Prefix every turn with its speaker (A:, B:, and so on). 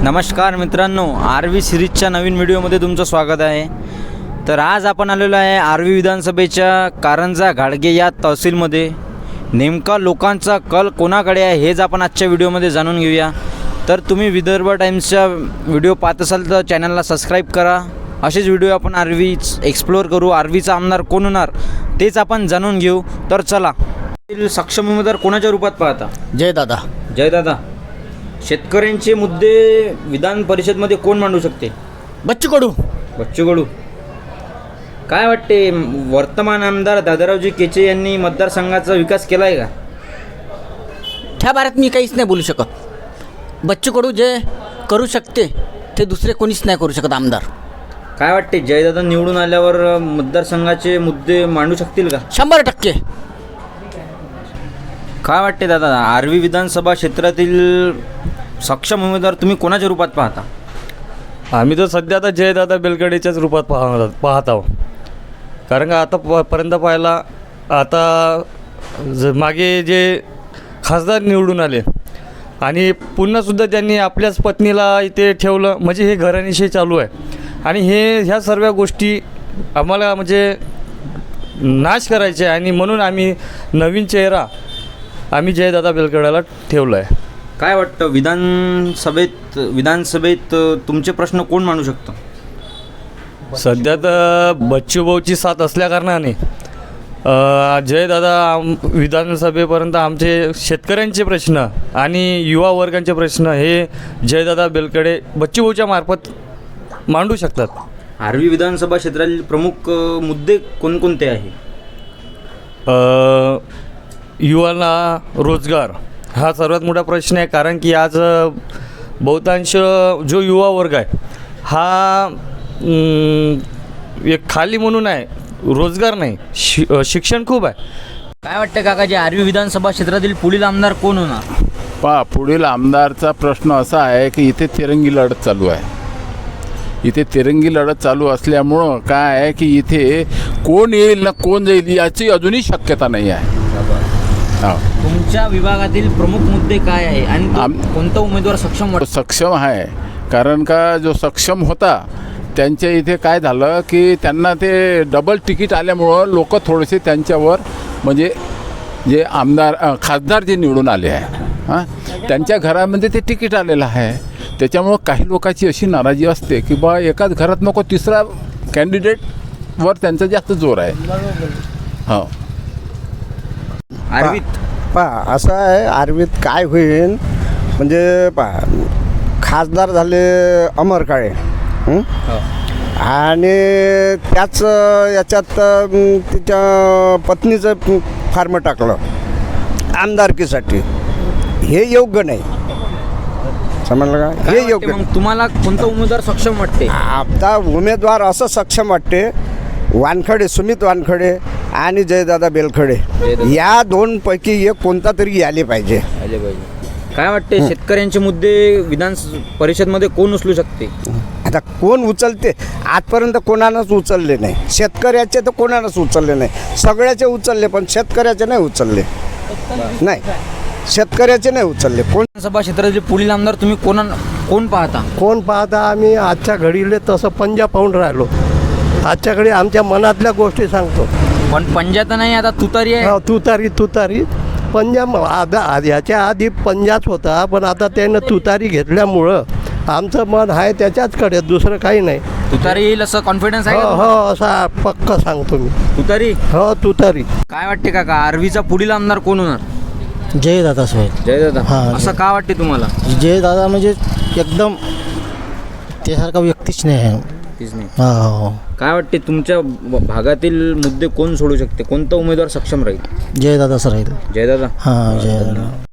A: नमस्कार मित्रांनो, आरवी सिरीजच्या नवीन व्हिडिओमध्ये तुमचं स्वागत आहे. तर आज आपण आलेलो आहे आरवी विधानसभेच्या कारंजा घाडगे या तहसीलमध्ये. नेमका लोकांचा कल कोणाकडे आहे हेच आपण आजच्या व्हिडिओमध्ये जाणून घेऊया. तर तुम्ही विदर्भ टाइम्सच्या व्हिडिओ पाहत असाल तर चॅनलला सबस्क्राईब करा. असेच व्हिडिओ आपण आरवीच एक्सप्लोअर करू. आरवीचा आमदार कोण होणार तेच आपण जाणून घेऊ. तर चला, सक्षम उमेदवार कोणाच्या रूपात पाहता? जयदादा. शेतकऱ्यांचे मुद्दे विधान परिषदमध्ये कोण मांडू शकते?
B: बच्चू कडू.
A: काय वाटते, वर्तमान आमदार दादारावजी केचे यांनी मतदारसंघाचा विकास केला आहे का?
B: त्या बारेत मी काहीच नाही बोलू शकत. बच्चू कडू जे करू शकते ते दुसरे कोणीच नाही करू शकत आमदार.
A: काय वाटते, जयदादा निवडून आल्यावर मतदारसंघाचे मुद्दे मांडू शकतील का?
B: 100%.
A: काय वाटते दादा, आरवी विधानसभा क्षेत्रातील सक्षम उमेदवार तुम्ही कोणाच्या रूपात पाहता?
C: आम्ही तर सध्या आता जयदादा बेलकडेच्याच रूपात पाहत आहोत. कारण का आतापर्यंत पाहायला आता मागे जे खासदार निवडून आले आणि पुन्हासुद्धा त्यांनी आपल्याच पत्नीला इथे ठेवलं, म्हणजे हे घराणेशाही चालू आहे. आणि ह्या सर्व गोष्टी आम्हाला म्हणजे नाश करायचे आहे. आणि म्हणून आम्ही नवीन चेहरा आम्ही जयदादा बेलकडेला ठेवलं आहे.
A: काय वाटतं, विधानसभेत तुमचे प्रश्न कोण मांडू शकतं?
C: सध्या तर बच्चूभाऊची साथ असल्याकारणाने जयदादा विधानसभेपर्यंत आमचे शेतकऱ्यांचे प्रश्न आणि युवा वर्गांचे प्रश्न हे जयदादा बेलकडे बच्चूभाऊच्या मार्फत मांडू शकतात.
A: आरवी विधानसभा क्षेत्रातील प्रमुख मुद्दे कोणकोणते आहे?
C: युवांना रोजगार हा सर्वात मोठा प्रश्न आहे. कारण की आज बहुतांश जो युवा वर्ग आहे हा एक खाली म्हणून आहे, रोजगार नाही, शिक्षण खूप आहे.
A: काय वाटतं काका, जे आरवी विधानसभा क्षेत्रातील पुढील आमदार कोण होणार?
D: पुढील आमदारचा प्रश्न असा आहे की इथे तिरंगी लढत चालू आहे. इथे तिरंगी लढत चालू असल्यामुळं काय आहे की इथे कोण येईल ना कोण जाईल याची अजूनही शक्यता नाही आहे.
A: तुमच्या विभागातील प्रमुख मुद्दे काय आहे आणि कोणता उमेदवार
D: सक्षम आहे? कारण का जो सक्षम होता त्यांच्या इथे काय झालं की त्यांना ते डबल तिकीट आल्यामुळं लोक थोडेसे त्यांच्यावर म्हणजे जे खासदार जे निवडून आले आहे त्यांच्या घरामध्ये ते तिकीट आलेलं आहे. त्याच्यामुळं काही लोकांची अशी नाराजी असते की बा एकाच घरात नको तिसरा कॅन्डिडेटवर त्यांचा जास्त जोर आहे. हो,
A: आरवीत
E: असं आहे. आरवीत काय होईल म्हणजे खासदार झाले अमर काळे आणि त्याच याच्यात तिच्या पत्नीचं फार्म टाकलं आमदारकीसाठी. हे योग्य नाही, समजलं का? हे योग्य.
A: मग तुम्हाला कोणता उमेदवार सक्षम वाटते?
E: आता उमेदवार असं सक्षम वाटते, सुमित वानखडे आणि जयदादा बेलखडे या दोनपैकी एक कोणता तरी आले पाहिजे.
A: काय वाटते, शेतकऱ्यांचे मुद्दे विधान परिषदमध्ये कोण उचलू शकते?
E: आता कोण उचलते? आजपर्यंत कोणानंच उचलले नाही. शेतकऱ्याचे तर कोणानंच उचलले नाही. सगळ्याचे उचलले पण शेतकऱ्याचे नाही उचलले. नाही, शेतकऱ्याचे नाही उचलले.
A: विधानसभा क्षेत्रातील पुढील आमदार तुम्ही कोण पाहता?
F: आम्ही आजच्या घडीले तसं पंजा पाहून राहिलो. आजच्या घडी आमच्या मनातल्या गोष्टी सांगतो.
A: पण पंजा तर नाही, आता तुतारी आहे.
F: तुतारी पंजा याच्या आधी पंजाच होता, पण आता त्यानं तुतारी घेतल्यामुळं आमचं मन आहे त्याच्याचकडे, दुसरं काही नाही.
A: तुतारी येईल असं कॉन्फिडन्स आहे?
F: हो, असा पक्का सांगतो मी.
A: तुतारी?
F: हो, तुतारी.
A: काय वाटते काका, आरवीचा पुढील आमदार कोण होणार?
B: जयदादा साहेब.
A: जयदादा.
B: हां.
A: असं का वाटते तुम्हाला?
B: जयदादा म्हणजे एकदम त्यासारखा व्यक्तीच नाही आहे. हो.
A: काय वाटते, तुमच्या भागातील मुद्दे कोण सोडू शकते? कोणता उमेदवार सक्षम राहील?
B: जयदादा सर राहील.
A: जयदादा.
B: हां, जयदादा.